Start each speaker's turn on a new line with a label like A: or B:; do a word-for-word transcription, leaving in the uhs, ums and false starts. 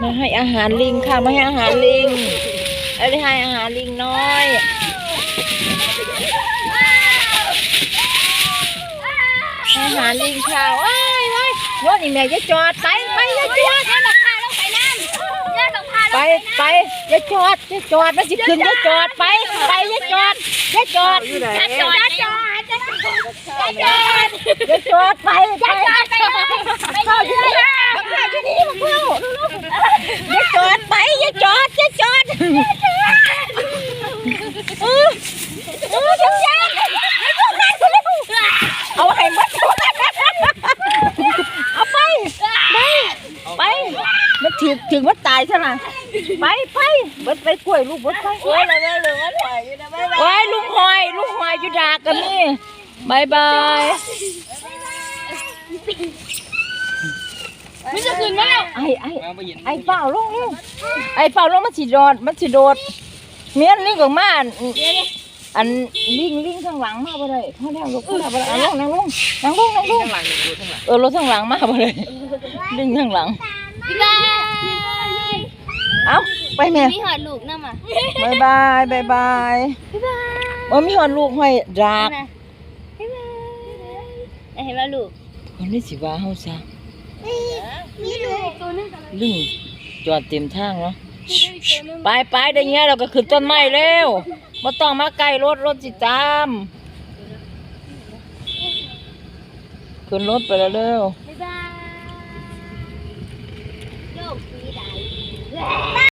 A: มาให้อาหารลิงค่ะมาให้อาหารลิงเอาได้ให้อาหารลิงน้อยอาหารลิงค่ะว้ายว้ายรถนี่แม่จะจอดไปไปจะจอดไปไปจะจอดจะจอดมันสิขึ้นจะจอดไปไปจะจอดจะจอดจะจอดจะจอดจะจอดไปจะจอดไปเข้าที่นี่เข้าที่นี่มาเข้าจะจอดไปจะจอดจะจอดเออเออจะจอดเอาให้มัดเอาไปไปไปมันถึงถึงมันตายใช่ไหมไปไปเบิดไปกล้วยลูกเบิดไปโอ้ยเลยเลยมันหอยอยู่นะโอ้ยลุงหอยลุงหอยอยู่ดากกันนี่บายบาย
B: ไม่จะคืนแล้ว
A: ไอ้ไอ้ไอ้เปล่าลงลงไอ้เปล่าลงมันสิโดดมันสิโดดเมียนลิงของมาอันลิงลิงข้างหลังมาบ่ได้พ่อแม่ลูกพ่อแม่บ่ได้นั่งลงนั่งลงนั่งลงนั่งลงเออรถข้างหลังมาบ่ได้ลิงข้างหลัง
B: บ๊ายบาย
A: เอาไปแม่
B: มีหอดลูกน้ำอ่ะ
A: บายบายบายบาย
B: บ๊ายบาย
A: โอ้มีหอนลูกห้อยดาก
B: บ๊ายบายเห็นว่าลูก
A: คนนี้สิว่าเฮาซะ
B: มีลูกตัวนึง
A: ลิงจอดเต็มทางเนาะไปไปได้เงี้ยเราก็ขึ้นต้นไม้เร็วบ่ต้องมาใกล้รถรถสิตามขึ้นรถไปแล้วเร็ว
B: บ๊ายบายโลกสีใด